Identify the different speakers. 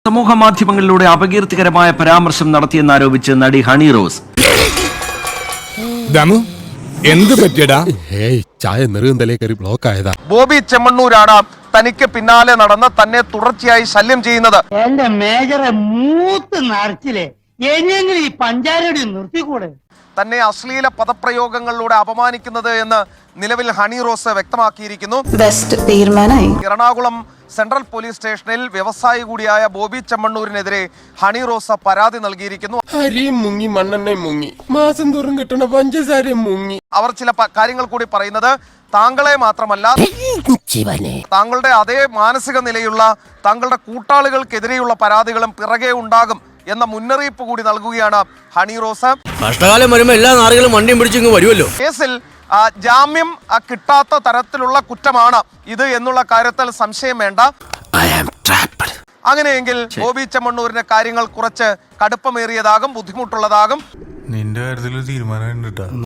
Speaker 1: സമൂഹ മാധ്യമങ്ങളിലൂടെ അപകീർത്തികരമായ പരാമർശം നടത്തിയെന്നാരോപിച്ച് നടി ഹണി റോസ്.
Speaker 2: എന്ത് പറ്റിയടാ?
Speaker 3: ചായ നെറുകന്തലേ കയറി ബ്ലോക്ക് ആയതാ.
Speaker 4: ബോബി ചെമ്മണ്ണൂരാണ് തനിക്ക് പിന്നാലെ നടന്ന് തന്നെ തുടർച്ചയായി ശല്യം ചെയ്യുന്നത്.
Speaker 5: എന്റെ മേജറെ മൂത്ത് നരച്ചില്ലേ, എങ്ങനെയെങ്കിലും ഈ പഞ്ചാരടി നിർത്തിക്കൂടെ?
Speaker 4: തന്നെ അശ്ലീല പദപ്രയോഗങ്ങളിലൂടെ അപമാനിക്കുന്നത് എന്ന് നിലവിൽ ഹണി റോസ് വ്യക്തമാക്കിയിരിക്കുന്നു. എറണാകുളം സെൻട്രൽ പോലീസ് സ്റ്റേഷനിൽ വ്യവസായി കൂടിയായ ബോബി ചെമ്മണ്ണൂരിനെതിരെ ഹണി റോസ് പരാതി നൽകിയിരിക്കുന്നു.
Speaker 3: അരിയും മുങ്ങി മണ്ണെണ്ണയും മുങ്ങി മാസം തോറും കിട്ടണ പഞ്ചസാരയും മുങ്ങി.
Speaker 4: അവർ ചില കാര്യങ്ങൾ കൂടി പറയുന്നത് താങ്കളെ മാത്രമല്ല, താങ്കളുടെ അതേ മാനസിക നിലയുള്ള താങ്കളുടെ കൂട്ടാളികൾക്കെതിരെയുള്ള പരാതികളും പിറകെ ഉണ്ടാകും എന്ന മുന്നറിയിപ്പ് കൂടി നൽകുകയാണ് ഹണി റോസ്.
Speaker 6: കഷ്ടകാലം വരുമ്പോൾ എല്ലാ നാറുകളും വണ്ടിയും പിടിച്ചിങ്ങ് വരുമല്ലോ.
Speaker 4: കേസിൽ ജാമ്യം കിട്ടാത്ത തരത്തിലുള്ള കുറ്റമാണ് ഇത് എന്നുള്ള കാര്യത്തിൽ സംശയം വേണ്ട. അങ്ങനെയെങ്കിൽ ബോബി ചെമ്മണ്ണൂരിന്റെ കാര്യങ്ങൾ കുറച്ച് കടുപ്പമേറിയതാകും, ബുദ്ധിമുട്ടുള്ളതാകും.
Speaker 2: നിന്റെ കാര്യത്തിൽ തീരുമാനം